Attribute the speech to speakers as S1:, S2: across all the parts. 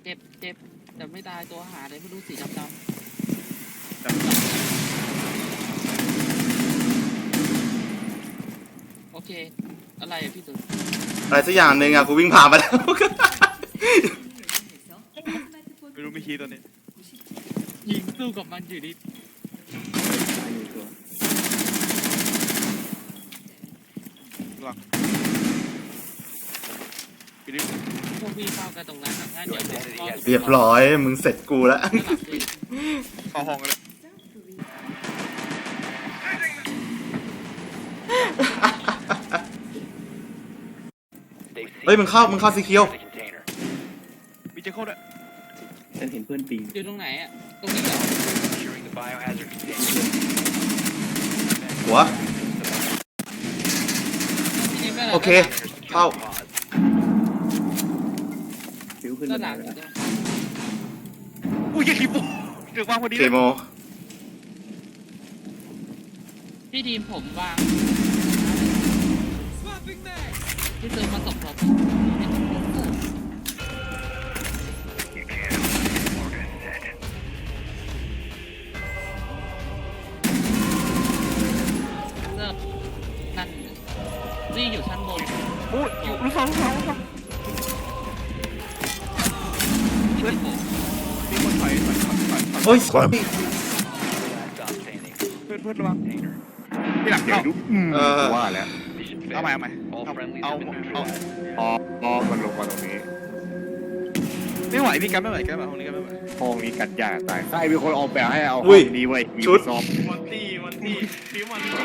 S1: เจ็บเจ็บแต่ไม่ตายตัวหาเลยไม่รู้สีดำโอเคอะไรอะพี่ตุ๋น
S2: อะไรสักอย่างหนึ่งอะกูวิ่งผ่านมาแล้ว
S3: ไม่รู้มีคีย์ตัวนี้
S1: ยิงสู้กับมันอยู่ดิ
S3: หลังพี่ดิ
S1: พวกพี่เข้ากันตรงนั้นอะงั้นเดี๋ยวผมเข้า
S2: เรียบร้อยมึงเสร็จกูแล้ว
S3: เข้าห้องกันเลย
S2: เฮ้ยมึงเข้าสีเขียว
S3: มีเจโค้ดอะ
S4: ฉันเห็นเพื่อนปิง
S1: อยู่ตรงไหนอะตรงนี้เหรอ
S2: หัว
S1: พี่นิมได้หร
S2: โอเคเข้า
S4: ฟิวขึ้น
S1: ด้า
S4: มาน
S1: หลั
S4: ได้
S1: ง
S4: แล้ว
S3: อุ้ยคีย์โป้เดือดวางพอดี
S2: เค
S3: เลย
S2: โม
S1: พี่ทีมผมวางที่เจอมาตกเราเริ่มนั่นนี่อยู่ชั้นบน
S3: โอ้ยอยู่ลูกสอง
S1: ที่ผม
S3: มีคนถอย
S2: เฮ้ย
S3: เพื่อนระวังพี่หลังเข้า
S5: ว่าแล้ว
S3: เอาใหม่เอา
S5: พอมันลงมาตรงนี้
S3: ไม่ไหวพี่กันไม่ไหวกันแบบห้องนี้กันไม่ไหว
S5: ห้องนี้กันยากตายใช่มีคนออกแบบให้เอาห้
S2: อุ้
S5: อย งนี้ไว้มีซอฟ
S3: วันตี้ฟิววันตี้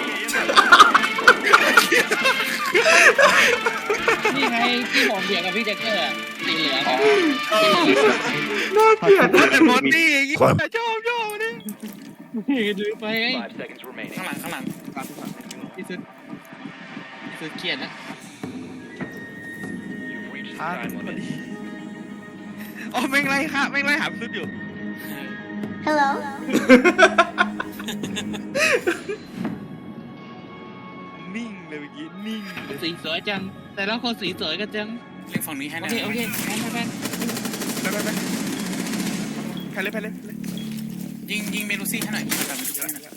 S1: นี่ไงที่ผมเบียดกับพี่แจ็คเกอร์อะสีเหลือง
S2: น่าเกลียด
S3: แต่วันตี้ยิ่งชอบนี่
S1: ดูไปไง
S3: ข้างหลัง
S1: พี่สุดเกลียดนะ
S3: อ๋อแม่งไล่ค่ะแม่งไล่หาสุดอยู่
S6: Hello.
S3: นิ่งเลยเมื่อกี้นิ่ง
S1: สีสวยจัง แต่ละคนสีสวยกันจัง
S7: เล่นฝั่งนี้ให้
S1: โอ
S7: ได้
S1: เคโอเคแพน
S3: ไปใครเลย
S7: ยิงเมลูซี่ให้หน่อยแบบเมลูซี่หน่อย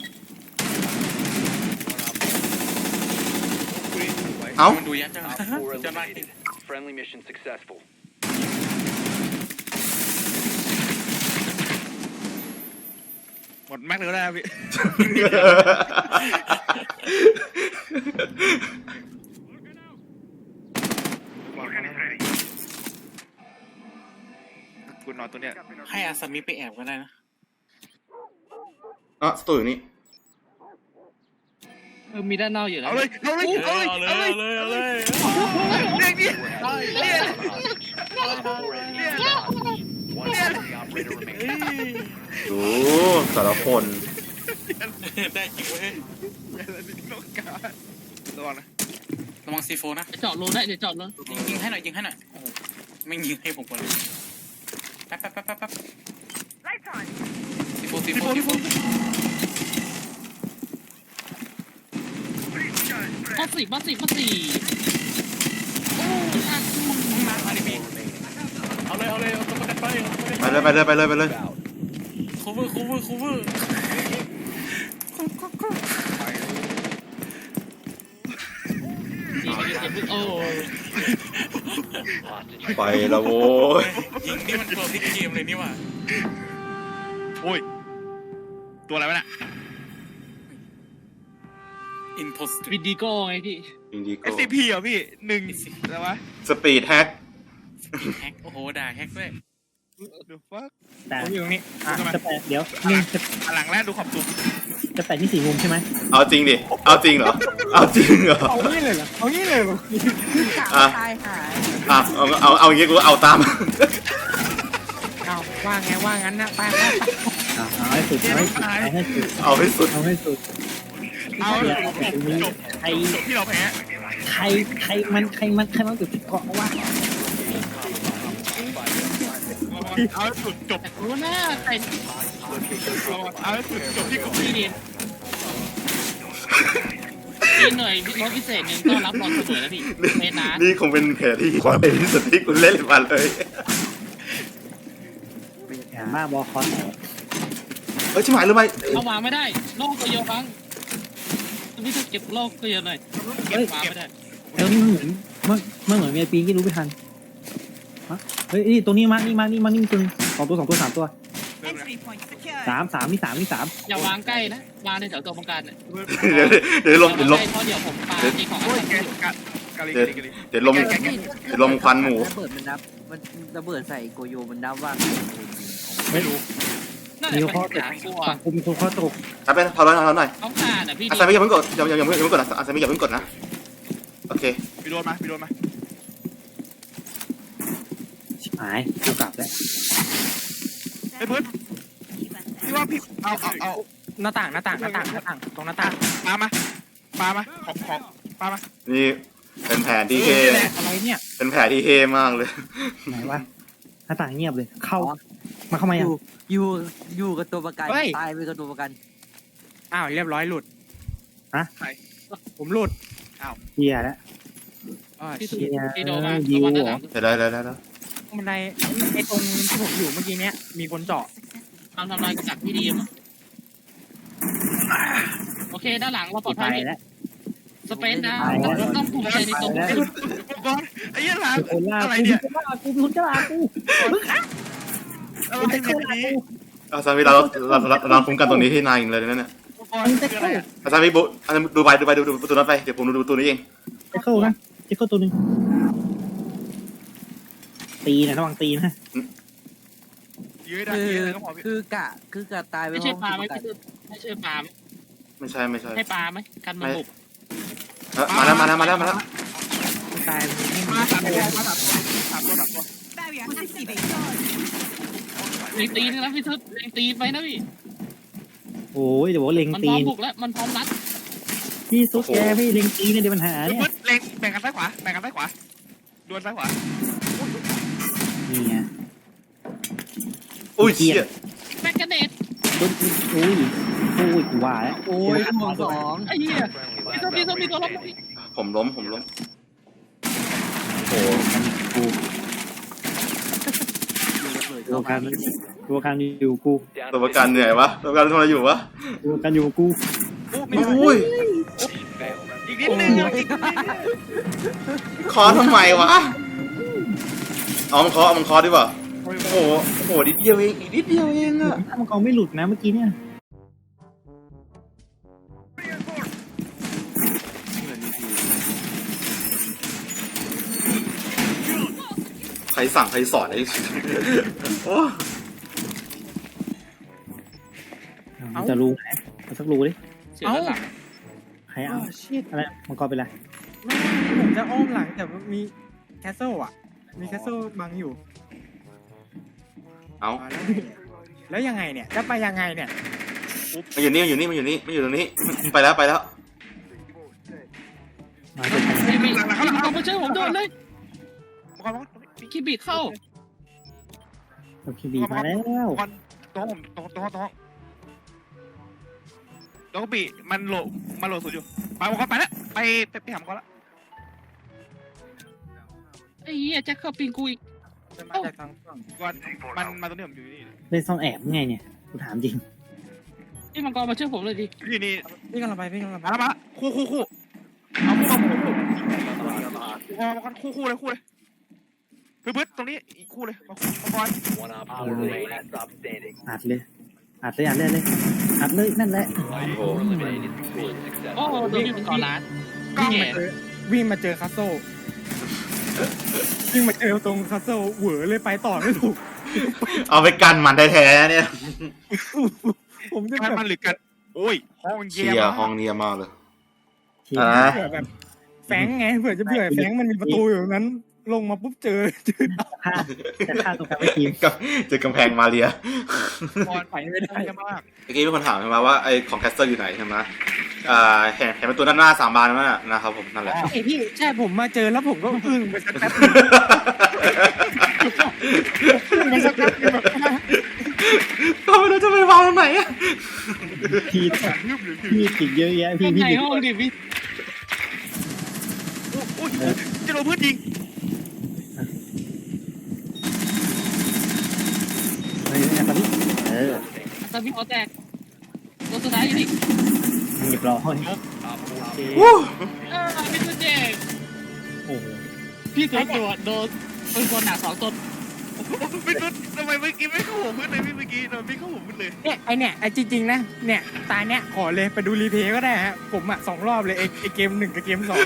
S2: เอ้า
S7: มันดูยัดจังจะมา
S8: Friendly mission successful.
S3: หมดแม็กเลยก็ได้พี่กูนอนตัวเนี้ย
S7: ให้อาซามิไปแอบก็ได้นะ
S2: อ่ะสตูอยู่นี่
S1: มีด้านนอกอยู่แล้ว
S3: เอาเลยเรียกดิ
S8: One friendly operator remaining.
S2: ดูแต่ละคน
S7: ได้จริงเว้ย
S3: ระวังนะ
S7: ระวังซีโฟนะ
S1: เจาะรูได้เดี๋ยวเจาะรู
S7: ยิงให้หน่อยโอ้โหไม่ยิงให้ผมก่อนเลยแป๊บซีโฟ
S1: มาสี่โอ้ย
S7: มาดิพี่เอาเลยเอาตัวประกันไป
S2: ไปเลย
S7: คูเวอร์
S1: โอ้
S2: ไปแล้วโว้ย
S7: ยิงนี่มันตัวพลิกเกมเลยนี่ว่ะ
S3: โอ้ยตัวอะไรวะเนี่ย
S7: อินโพสต์
S1: วิดีโก้ไงพี่
S2: อินดิโก้
S3: SCP เหรอพี่1อะไรวะ
S2: สปีดแฮก
S7: แฮกโอ้โหด่าแฮกด้วย
S3: The fuck
S4: แต่อยู่ตรงนี้จะแปะเดี๋ยวหนึ่ง
S3: หลังแรกดูขอบตัว
S4: จะแปะที่สี่มุมใช่ไหม
S2: เอาจริงดิเอาจริงเหรอเอาจริงเหรอ
S4: เอางี้เลยเหรอเอางี้เลยเหรอ
S2: อ่ะเอาอย่างงี้กูเอาตาม
S4: เอาว่างั้นนะไปเอาให้สุด
S2: เอาให้สุด
S3: เอาจบที่เราแพ้
S4: ใครมันจุดเกาะว่า
S3: เอาสุดจบ
S1: รู้นะแต่
S3: เอาสุดจบที่กบ
S1: พี่เรียนมีหน่วยรถพิเศษหนึ่งก็รับบอลเสมอแล้วพี่เมนา
S2: นี่คงเป็นแผลที่ความเป็นที่สุดที่กูเล่นมาเลย
S9: นมากบอลคอนแตก
S2: เฮ้ยชิบหายหรือไม่
S1: เอาวางไม่ได้โลกก็เยอะฟังพี่จะเก็บโลกก็เยอะหน่อยเก็บวางไม่ได้
S9: เอ้ยนี่มันเหมือนมีปีนที่รู้ไม่ทันฮะเฮ้ยนี่ตรงนี้มานี่มีตัวสองตัว3 ตัวสามนี่
S1: อย่าวางใกล้นะวางในแถวตัวประกันเนี่ย
S2: เดี๋ยวลม
S1: เพราะเดี๋ยวผมปาที่ของ
S3: โอ้ยแกกะลิกะลิกะลิ
S2: เดี๋ยวลมควันหมู
S10: ระเบิดมันนับมันระเบิดใส่โกโยมันนับว่า
S9: ไม่รู้
S1: นั่นแห
S9: มี
S1: ละ
S9: ข้อ
S1: ปัญ
S9: ตก
S1: หากลัว
S9: ฝั่งกูมีข้อตก
S2: ถ้าเป็นพอแล้วหน่อย
S1: เขาขาดอ่ะพี่
S2: อาซามิอย่าเพิ่งกดอย่าเพิ่งกดนะอาซามิอย่าเพิ่งกดนะโอเค
S3: พี่โดนมา
S9: ชิบหายกูกลับแล้ว
S3: ไอ้เพื่อนพี่ว่าพี่เอา
S4: หน้าต่างตรงหน้าต่าง
S3: ปามาของปามา
S2: นี่เป็นแผนที่เฮ
S4: อะไรเนี่ย
S2: เป็นแผนที่เฮมากเลย
S9: ไหนวะหน้าต่างเงียบเลยเข้ามายัง
S10: อยู่กับตัวประกันตายไปกับตัวประกัน
S4: อ้าวเรียบร้อยหลุด
S3: ใคร
S4: ผมหลุด
S9: เฮียแล้ว
S4: อ๋อ
S1: พี่
S4: เชี่ย
S1: พี่โดมา
S9: ยิว
S1: ระวัง
S9: เหร
S1: ด้า
S9: อ
S1: นหลัง
S2: ได้
S4: บันไดไอ้ตรงที่ผมอยู่เมื่อกี้เนี้ยมีคนเจาะ
S1: ทำลายกระจักพี่ดีมั้งโอเคด้านหลังเราปลอด
S9: ไป
S1: ภัย
S9: แล้ว
S1: สเปนนะเราต้องภูมิใจในตัว
S3: อุปกรณ์ไอ้ยันหลาน
S9: คนล่า
S3: อะไรเนี่ย
S9: กูเป็นคนกล้ากู
S3: อะไรเนี่ยนี้
S2: อาซามิเราคุ้มกันตรงนี้ที่นายอีกเลยนั่นน่ะ
S3: อุปกรณ์คืออะไรอ่ะ
S2: อาซามิบุดูประตูนั้นไปเดี๋ยวผมดูประตูนี้เอง
S9: ไอ้เข้านะไอ้เข้าตัวนึงตีนะระวังตีนะ
S3: ยื้อได้
S10: คือ
S3: ยื้อก็พอพี่
S10: คือกะตายไป
S1: ไม่ใช่ปลาไหม
S10: พร้อ
S1: พี่ไม่ใช่ปลาไหม
S2: ไม่ใช่
S1: ให้ปลาไหมกันมันบุก
S2: มาแล้ว
S9: ตาย
S3: มา3 ตัว
S1: ตีตีนึงนะพี่ทึบตีไปนะพี่
S9: โอ้ยเดี๋ยวบอกเล็ง
S1: มันพ
S9: ตี
S1: ร้อม
S9: น
S1: บุกแล้วมันพร้อมรัด
S9: พี่ซุกแกพี่เล็งตีนเนี่ยเดี๋ยวปัญหาเนี่ย
S3: มืดเล็งแบ่งกันซ้ายขวาดวลซ้ายขวา
S9: นี่ไง
S2: อุ้ยเชี่ย
S1: แมกกาเนต
S9: อุ้ยกูว่าแล้ว
S10: โอ้ยห่วง2
S1: ไอ้เหี้ยพี่ทึบมีตัวล้ม
S2: ผมล้มโอ้
S9: กู ตัวการอยู่กู
S2: ตัวประกันเหนื่อยวะตัวประกันทำอะไรอยู่วะ
S9: ตัวการอยู่กู
S2: อุ้ย
S3: อีกนิดนึง
S2: คอทำไมวะเอามันคอดีกว่าโอ้โหนิดเดียวเองอีกนิดเดียวเองอะ
S9: ถ้ามันกองไม่หลุดนะเมื่อกี้เนี่ย
S2: ใครสั่งใครสอนไอ้ โอ้
S9: มันจะรู้ไหมเอาสักรู้ดิ
S1: เสียด้านหลัง
S9: ใครเอาอะไรมังกรเป็นไร
S4: ไม่ผมจะอ้อมหลังแต่มีแคสเซิลอ่ะมีแคสเซิลบังอยู่
S2: เอา
S4: แล้วยังไงเนี่ยจะไปยังไงเนี่ย
S2: มันอยู่นี่ตรงนี้ไปแล้ว
S9: มาเสร็จ
S1: ไม่เอามาเจอผมโดนเลยคิบิเข้า
S9: โอเคบีมาแล้ว
S3: ตรงปีมันโหลดสุดอยู่ไปอุปกรณ์ไปแล้วไปหามก่อนละ
S1: ไอ้เหี้ยแจ็คเข้าปิงกูอีก
S4: จะมาจากทางฝั่ง
S3: ก่อนมันมาตรงนี้ผมอยู่นี่
S9: เล่นซ่อนแอบไงเนี่ยกูถามจริง
S1: นี่มังกรมาช่วยผมเลยดิ
S3: นี่
S4: พี่กำลังไป
S3: มาคู่เอาคู่เลยพื้นตรงนี้อีกคู่เลยมาบอล
S8: One op 4 remaining. Stop standing.
S9: อัดเลยนั่นแหละ
S8: Op 4 eliminated. Mission
S1: โอ้
S8: successful.
S1: โดนพี่มังกรร้าน
S3: กล้อง
S4: วิ่งมาเจอคาสโซวิ่งมาเจอตรงคาสโซเหวอเลยไปต่อไม่ถูก
S2: เอาไปกันมันแท้ๆเนี่ย
S4: ผมจะ
S3: มันหรือกันโอ้ยห้องเยี่
S2: เชี
S3: ย
S2: ย
S3: ม
S2: ร์ห้องเนียมากเลย
S9: เชี่ย
S4: เผื่อแบบแฝงไงเผื่อแฝงมันมีประตูอยู่นั้น ลงมาปุ๊บเจอ
S9: ฆ่าตรงกลางไอ้ทีม
S2: กับเจอกำแพงมาเรีย
S3: บอลไปไม่ได้มาก
S2: เมื่อกี้มีคนถามใช่ไหมว่าไอ้ของแคสเตอร์อยู่ไหนใช่ไหมเห็นเป็นตัวด้านหน้า3 บานนั่นนะครับผมนั่นแหละ
S4: ไอ้พี่ใช่ผมมาเจอแล้วผมก็อึ้งไปสักแป๊บ
S2: ก็ไม่รู้จะไปวางตรงไหนอะ
S9: พี่ติดเยอะแยะพี่
S1: ข้างในห้องดิพี่
S3: โอ้ยจะโดนเพื่อนยิง
S9: แอบอ
S1: ตอนพี่เขาแตกตัวสุดท้ายอยู่นี่
S9: เรียบร้อย
S2: วู้
S1: พี่ตัวเจ๊
S9: โอ้โห
S1: พี่ตัวโดนเป็นคนหนัก2 ตัว
S3: พี่ตุ๊ดทำไมเมื่อกี้ไม่เข้าหัวพื้นเลยพี่เมื่อกี้โดนพี่เข้าหัวพื้นเลย
S4: เนี่ยไอ้จริงๆนะเนี่ยตาเนี่ยขอเลยไปดูรีเพย์ก็ได้ฮะผมอ่ะ2 รอบเลยไอ้เกม 1กับเกม 2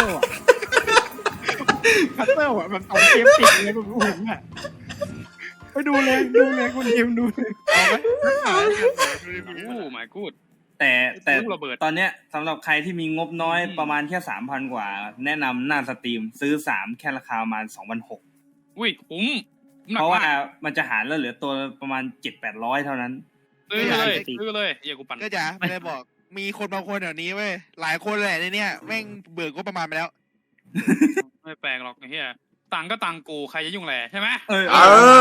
S4: คัตเตอร์อ่ะแบบ2 เกมติดเลยผมอ่ะไปดูเลยคุณเกมดูเลย
S3: เอาไหม
S1: โอ้ my god
S7: แต่ตอนเนี้ยสำหรับใครที่มีงบน้อยประมาณแค่ 3,000 กว่า แนะนำหน้าสตรีมซื้อ3แค่ราคาประมาณ 2,600
S1: อุ้ยคุ้ม
S7: เพราะว่ามันจะหารแล้วเหลือตัวประมาณ 700-800 เท่านั้น
S1: ซื้อเลยอย่ากูปั่น
S3: ก็จะไม่ได้บอกมีคนบางคนเดี๋ยวนี้เว้ยหลายคนแหละในเนี้ยแม่งเบิกก็ประมาณไปแล้ว
S1: ไม่แปลงหรอกไอ้เหี้ยตังก็ตังกูใครจะยุ่งแหละใช่ไหม
S2: เออ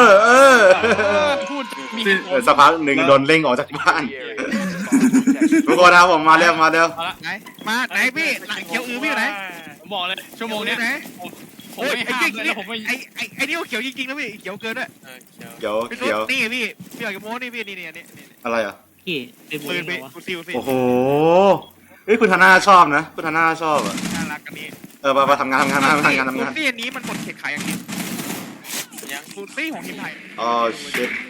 S1: พูดมี
S2: สักพักหนึ่งโดนเร่งออกจากบ้าน ทุกคนนะครับผมมาเร็ว
S1: เอาละ
S3: ไหนมาไหนพี่หลังเขียวพี่อยู่ไหน
S1: ผมบอกเลยชั่วโมงเนี้ย
S3: ไหน
S1: ผมไม่ห้ามเลยแล้วผมไม่
S3: ไอ้นี่เขียวจริงๆนะพี่เขียวเกินด้วย
S2: เดี๋ยว
S3: พี่
S2: เดี๋ยว
S3: นี่พี่อยากจะโม้นี่พี่นี่
S2: อะไรอ่ะ
S1: พี่เป็น
S3: ปืนไปกูซิลสิ
S2: โอ้โหเฮ้ยคุณธนาชอบนะคุณธนาชอบอ่ะ
S3: น่ารักกันนี้
S2: ไปทำงาน
S3: นี่อันนี้มันกดเขตขายอย่างนี้ยังฟูตี้ของทีมไทย
S2: อ๋อชิต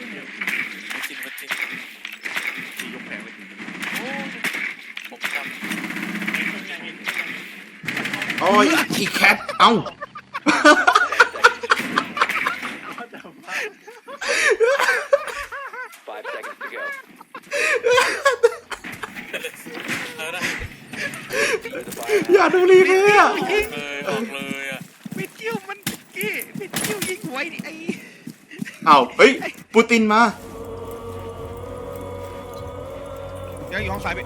S3: ยกแผงเลย
S2: โอ้ยอีแคทเอ้า
S8: 5 seconds to go.
S2: อย่าดูรีเพย์อ่ะ
S7: บอกเลยอ่ะ
S3: ปิดคิวมันกี้ปิดคิวยิงหวยดิไอ้
S2: เอ้าเฮ้ยปูตินมา
S3: ยังอยู่ห้องซ้ายไป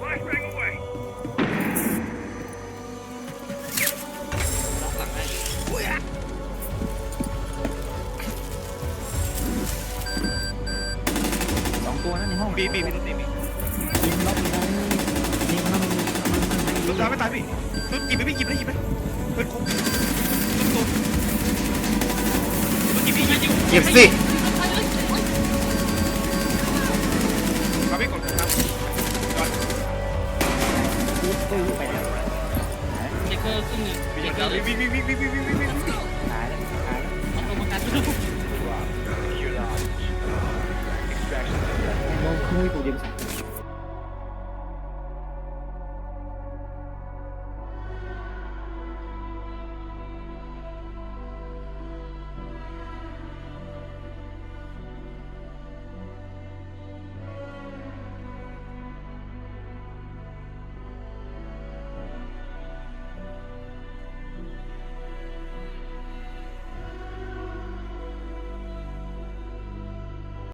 S9: 2 ตัวนั่นในห้อง
S3: บีพี่ตุ๊ดตีพี่
S9: ยิงล็อกยิงมัน
S3: ตุ๊ดตายไม่ตายพี่ตุ๊ดหยิบไปพี่หยิบเลยเปิดคุกตุ๊ดหยิบพี่
S2: เก็บสิ
S3: มาพี่กดครับ
S9: ตู้ไปแล้ว
S1: เด็กเกอร์ครึ่งหนึ่งเด็กเกอร์
S3: วิ่ง
S9: ขายแล้ว
S1: เอาตัวประกัน
S9: มุ้ยตัวเดียว2